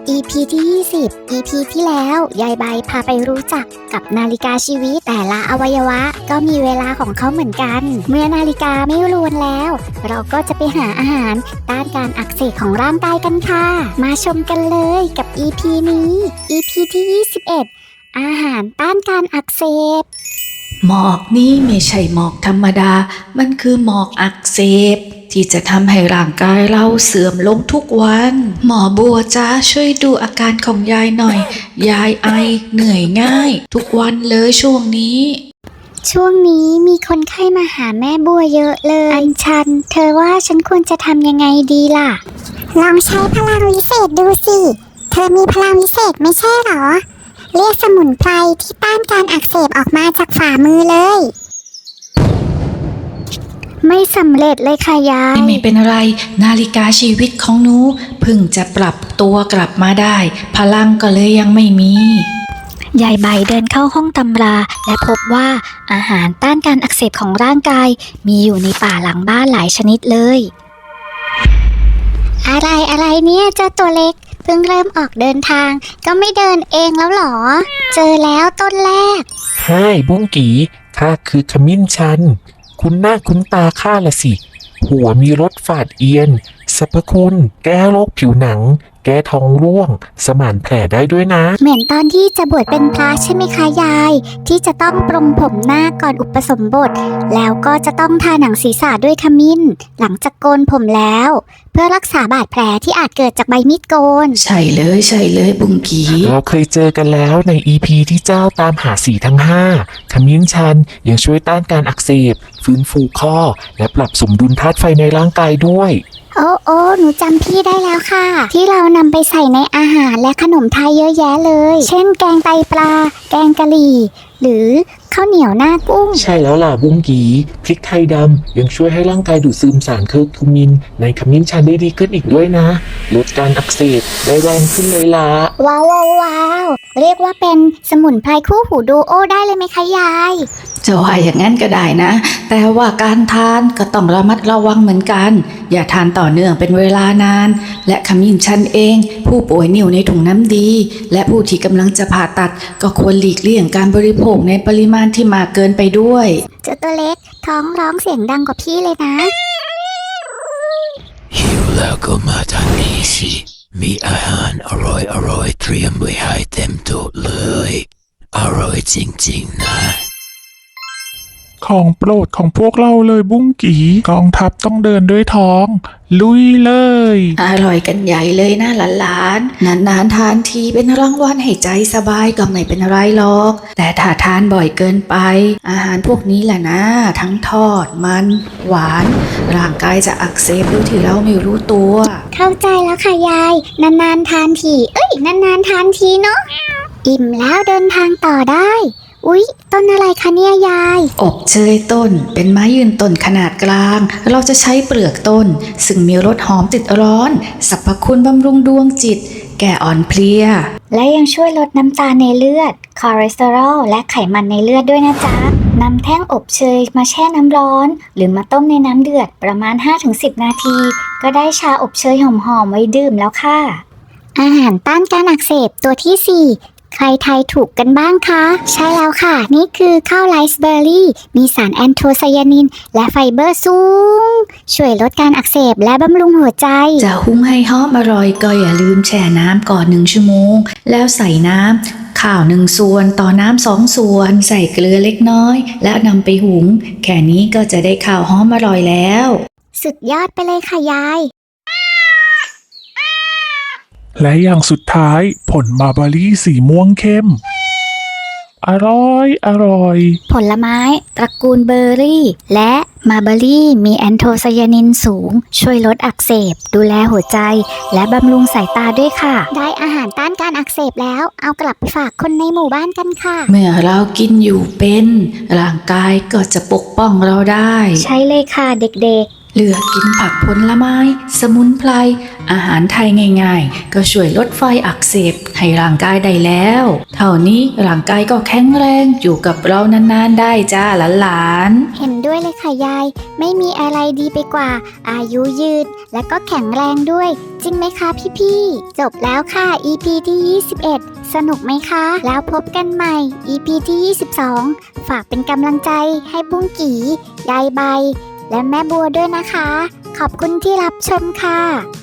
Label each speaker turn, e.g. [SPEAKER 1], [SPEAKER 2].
[SPEAKER 1] EP ที่ 20 EP ที่แล้วยายใบพาไปรู้จักกับนาฬิกาชีวิตแต่ละอวัยวะก็มีเวลาของเขาเหมือนกันเมื่อนาฬิกาไม่รวนแล้วเราก็จะไปหาอาหารต้านการอักเสบของร่างกายกันค่ะมาชมกันเลยกับ EP นี้ EP ที่ 21 อาหารต้านการอักเสบ
[SPEAKER 2] หมอกนี่ไม่ใช่หมอกธรรมดามันคือหมอกอักเสบที่จะทำให้ร่างกายเราเสื่อมลงทุกวันหมอบัวจ้าช่วยดูอาการของยายหน่อยยายไอเหนื่อยง่ายทุกวันเลยช่วงนี้
[SPEAKER 1] มีคนไข้มาหาแม่บัวเยอะเลยอัญชันเธอว่าฉันควรจะทำยังไงดีล่ะ
[SPEAKER 3] ลองใช้พลังวิเศษดูสิเธอมีพลังวิเศษไม่ใช่หรอเรียกสมุนไพรที่ต้านการอักเสบออกมาจากฝ่ามือเลย
[SPEAKER 1] ไม่สำเร็จเลยค่ะยาย
[SPEAKER 2] ไม่เป็นไรนาฬิกาชีวิตของหนูเพิ่งจะปรับตัวกลับมาได้พลังก็เลยยังไม่มี
[SPEAKER 1] ยายใบเดินเข้าห้องตำราและพบว่าอาหารต้านการอักเสบของร่างกายมีอยู่ในป่าหลังบ้านหลายชนิดเลยอะไรเนี่ยเจ้าตัวเล็กเพิ่งเริ่มออกเดินทางก็ไม่เดินเองแล้วหรอเจอแล้วต้นแรก
[SPEAKER 4] ไฮ้บุ้งกีข้าคือขมิ้นชันคุณหน้าคุณตาข้าละสิหัวมีรสฝาดเอียนสรรพคุณแก้โรคผิวหนังแก้ท้องร่วงสมานแผลได้ด้วยนะ
[SPEAKER 1] เหมือนตอนที่จะบวชเป็นพระใช่ไหมคะยายที่จะต้องปรงผมหน้าก่อนอุปสมบทแล้วก็จะต้องทาหนังศีรษะด้วยขมิ้นหลังจากโกนผมแล้วเพื่อรักษาบาดแผลที่อาจเกิดจากใบมีดโกน
[SPEAKER 2] ใช่เลยบุงกี
[SPEAKER 4] เราเคยเจอกันแล้วใน EP ที่เจ้าตามหาสีทั้ง5ขมิ้นชันยังช่วยต้านการอักเสบฟื้นฟูข้อและปรับสมดุลธาตุไฟในร่างกายด้วย
[SPEAKER 1] โอ้หนูจำพี่ได้แล้วค่ะที่เรานำไปใส่ในอาหารและขนมไทยเยอะแยะเลยเช่นแกงไตปลาแกงกะหรี่หรือข้าวเหนียวหน้ากุ้ง
[SPEAKER 4] ใช่แล้วล่ะบุ้งกีพริกไทยดำยังช่วยให้ร่างกายดูดซึมสารเคอร์คูมินในขมิ้นชันได้ดีขึ้นอีกด้วยนะลดการอักเสบได้แรงขึ้นเลยล่ะ
[SPEAKER 1] ว้าวเรียกว่าเป็นสมุนไพรคู่หูดูโอได้เลยไหมคะยาย
[SPEAKER 2] จะว่าอย่างนั้นก็ได้นะแต่ว่าการทานก็ต้องระมัดระวังเหมือนกันอย่าทานต่อเนื่องเป็นเวลานานและขมิ้นชันเองผู้ป่วยนิ่วในถุงน้ำดีและผู้ที่กำลังจะผ่าตัดก็ควรหลีกเลี่ยงการบริโภคในปริมาณที่มากเกินไปด้วย
[SPEAKER 1] เจ้าตัวเล็กท้องร้องเสียงดังกว่าพี่เลยนะ
[SPEAKER 5] หิวแล้วก็มาทางนี้สิมีอาหารอร่อยเตรียมไว้ให้เต็มโต๊ะเลยอร่อยจริงๆนะ
[SPEAKER 4] ของโปรดของพวกเราเลยบุ้งกีกองทัพต้องเดินด้วยท้องลุยเลย
[SPEAKER 2] อร่อยกันใหญ่เลยนะหลานๆนานๆทานทีเป็นรางวัลให้ใจสบายก็ไม่เป็นไรหรอกแต่ถ้าทานบ่อยเกินไปอาหารพวกนี้แหละนะทั้งทอดมันหวานร่างกายจะอักเสบโดยที่เราไม่รู้ตัว
[SPEAKER 1] เข้าใจแล้วค่ะยายนานๆทานทีนานๆทานทีเนาะอิ่มแล้วเดินทางต่อได้อุ๊ยต้นอะไรคะเนี่ยยาย
[SPEAKER 2] อบเชยต้นเป็นไม้ยืนต้นขนาดกลางเราจะใช้เปลือกต้นซึ่งมีรสหอมติดร้อนสรรพคุณบำรุงดวงจิตแก้อ่อนเพลีย
[SPEAKER 1] และยังช่วยลดน้ำตาลในเลือดคอเลสเตอรอลและไขมันในเลือดด้วยนะจ๊ะนำแท่งอบเชยมาแช่น้ำร้อนหรือมาต้มในน้ำเดือดประมาณ 5-10 นาทีก็ได้ชาอบเชยหอมๆไว้ดื่มแล้วค่ะอาหารต้านการอักเสบตัวที่ 4ใครทายถูกกันบ้างคะใช่แล้วค่ะนี่คือข้าวไรซ์เบอร์รี่มีสารแอนโทไซยานินและไฟเบอร์สูงช่วยลดการอักเสบและบำรุงหัวใจ
[SPEAKER 2] จะหุงให้หอมอร่อยก็อย่าลืมแช่น้ำก่อน1 ชั่วโมงแล้วใส่น้ำข้าว1 ส่วนต่อน้ำ2 ส่วนใส่เกลือเล็กน้อยแล้วนำไปหุงแค่นี้ก็จะได้ข้าวหอมอร่อยแล้ว
[SPEAKER 1] สุดยอดไปเลยค่ะยาย
[SPEAKER 4] และอย่างสุดท้ายผลมาร์บารี่สีม่วงเข้มอร่อย
[SPEAKER 1] ผลไม้ตระกูลเบอร์รี่และมาร์บารี่มีแอนโทไซยานินสูงช่วยลดอักเสบดูแลหัวใจและบำรุงสายตาด้วยค่ะได้อาหารต้านการอักเสบแล้วเอากลับไปฝากคนในหมู่บ้านกันค่ะ
[SPEAKER 2] เมื่อเรากินอยู่เป็นร่างกายก็จะปกป้องเราได้
[SPEAKER 1] ใช่เลยค่ะเด็กๆ
[SPEAKER 2] เลือกกินผักผลไม้ สมุนไพร อาหารไทยง่ายๆ ก็ช่วยลดไฟอักเสบให้ร่างกายได้แล้ว เท่านี้ร่างกายก็แข็งแรงอยู่กับเรานานๆได้จ้าหลานๆ
[SPEAKER 3] เห็นด้วยเลยค่ะยาย ไม่มีอะไรดีไปกว่า อายุยืน และก็แข็งแรงด้วย จริงไหมคะพี่ๆ จบแล้วค่ะ EP ที่ 21 สนุกไหมคะ แล้วพบกันใหม่ EP ที่ 22 ฝากเป็นกำลังใจให้บุ้งกี่ ยายใบ และแม่บัวด้วยนะคะ ขอบคุณที่รับชมค่ะ